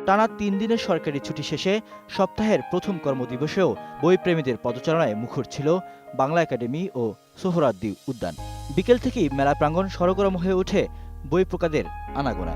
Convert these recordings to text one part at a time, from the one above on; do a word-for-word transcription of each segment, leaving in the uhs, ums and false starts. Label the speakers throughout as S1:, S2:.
S1: টানা তিন দিনের সরকারি ছুটি শেষে সপ্তাহের প্রথম কর্মদিবসেও বইপ্রেমীদের পদচারণায় মুখর ছিল বাংলা একাডেমি ও সোহরাওয়ার্দী উদ্যান। বিকেল থেকেই মেলা প্রাঙ্গণ সরগরম হয়ে ওঠে বই প্রকাদের আনাগোনায়।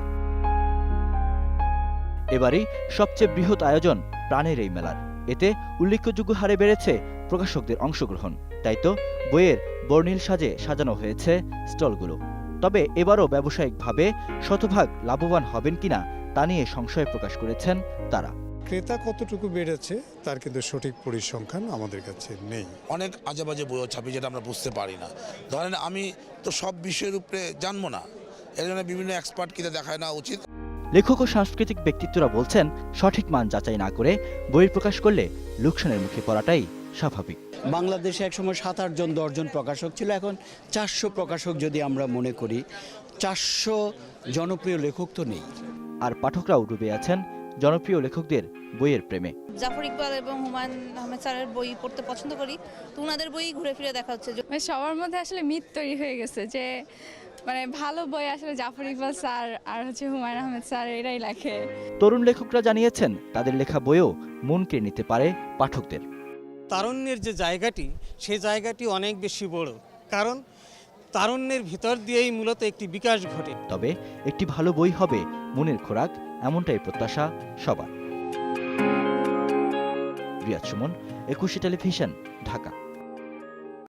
S1: এবারই সবচেয়ে বৃহৎ আয়োজন প্রাণের এই মেলার। এতে উল্লেখযোগ্য হারে বেড়েছে প্রকাশকদের অংশগ্রহণ। তাই তো বইয়ের বর্ণিল সাজে সাজানো হয়েছে স্টলগুলো। তবে এবারও ব্যবসায়িকভাবে শতভাগ লাভবান হবেন কিনা তা নিয়ে সংশয় প্রকাশ করেছেন তারা।
S2: ক্রেতা কতটুকু বেড়েছে তার কিন্তু সঠিক পরিসংখ্যান আমাদের কাছে নেই।
S3: অনেক আজেবাজে বই ছাপি যেটা আমরা বুঝতে পারি না। ধরেন আমি তো সব বিষয়ের উপরে জানবো না, এর জন্য বিভিন্ন এক্সপার্ট কিনে দেখায় না উচিত।
S1: লেখক ও সাংস্কৃতিক ব্যক্তিত্বরা বলছেন, সঠিক মান যাচাই না করে বই প্রকাশ করলে লোকসানের মুখে পড়াটাই স্বাভাবিক।
S4: বাংলাদেশে একসময় সাত আট জন দশজন প্রকাশক ছিল, এখন চারশো প্রকাশক যদি আমরা মনে করি, চারশো জনপ্রিয় লেখক তো নেই।
S1: আর পাঠকরাও ডুবে আছেন জনপ্রিয় লেখকদের বইয়ের প্রেমে।
S5: জাফর ইকবাল এবং হুমায়ুন আহমেদ স্যারের বই পড়তে পছন্দ করি, তো ওনাদের বই ঘুরে ফিরে দেখা হচ্ছে।
S6: সবার মধ্যে আসলে মিথ তৈরি হয়ে গেছে যে মানে ভালো বই আসলে জাফর ইকবাল স্যার আর হচ্ছে হুমায়ুন আহমেদ স্যার এরাই লেখে।
S1: তরুণ লেখকরা জানিয়েছেন, তাদের লেখা বইও মন কেড়ে নিতে পারে পাঠকদের।
S7: তারুণ্যের যে জায়গাটি, সেই জায়গাটি অনেক বেশি বড়, কারণ তারুণ্যের ভিতর দিয়েই মূলত একটি বিকাশ ঘটে।
S1: তবে একটি ভালো বই হবে মনের খোরাক, এমনটাই প্রত্যাশা সবার। রিয়াদ সুমন, একুশে টেলিভিশন, ঢাকা।